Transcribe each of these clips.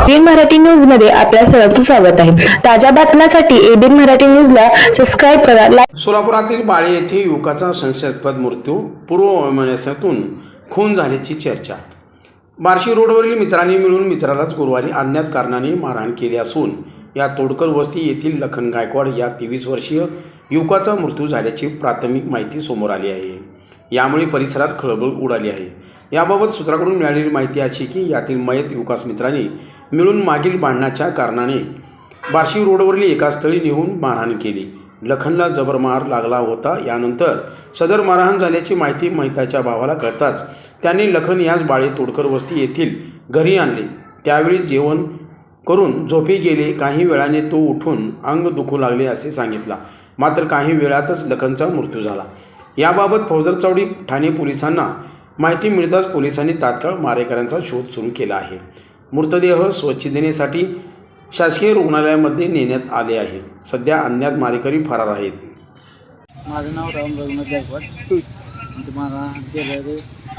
ABN Marathi news मध्ये आपल्या सर्वांचं स्वागत आहे। ताज्या बातम्यांसाठी एबीएन मराठी न्यूजला सबस्क्राइब करा। सोलापुरातील बाळे येथे युवकाचा संशयास्पद मृत्यू, पूर्ववैमनस्यातून खून झाल्याची चर्चा। बार्शी रोडवरील मित्रांनी मिळून मित्रालाच गुरुवारी अज्ञात कारणाने मारहाण केली असून या तोडकर वस्ती येथील लखन गायकवाड या 23 वर्षीय युवकाचा मृत्यू झाल्याची प्राथमिक माहिती समोर आली आहे। यामुळे परिसरात खळबळ उडाली आहे। याबाबत सूत्राकडून मिळालेली माहिती अशी की यातील मयत युवकास मित्रांनी मिळून मागील भांडणाच्या कारणाने बार्शी रोडवरील एका स्थळी नेऊन मारहाण केली। लखनला जबर मार लागला होता। यानंतर सदर मारहाण झाल्याची माहिती मयताच्या भावाला कळताच त्यांनी लखन याच बाळे तोडकर वस्ती येथील घरी आणले। त्यावेळी जेवण करून झोपी गेले। काही वेळाने तो उठून अंग दुखू लागले असे सांगितला। मात्र काही वेळातच लखनचा मृत्यू झाला। याबाबत फौजरचौडी ठाणे पोलिसांना माहिती मिळताच पोलिसांनी तात्काळ मारेकऱ्यांचा शोध सुरू केला आहे। मृतदेह स्वच्छतेसाठी शासकीय रुग्णालयामध्ये नेण्यात आले आहे। सध्या अज्ञात मारेकरी फरार आहेत। माझं नाव राम रघुनाथ गायकवाड। तुम्हाला गेलं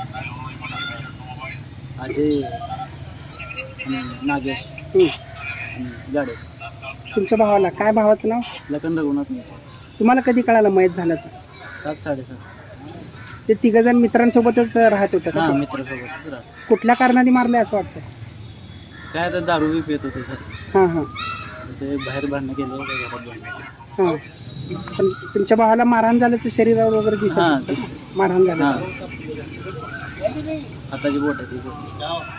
अजय नागेश गाडे। तुमच्या भावाला काय भावाचं नाव? लखन रघुनाथ मी। तुम्हाला कधी कळालं मयत झाल्याचं? 7-7:30 ते तिघजण मित्रांसोबतच राहत होतं का? हां, मित्रासोबतच राहत। कुठल्या कारणाने मारले असं वाटतं? काय तर दारू बी पित होते सर। हां हां ते बाहेर भांडणं केलं होतं, घरात भांडणं। हां, पण तुमच्या भावाला मारहाण झाल्याचं शरीरावर वगैरे हां, दिसत? मारहाण झालं हाताची बोट आहे ती.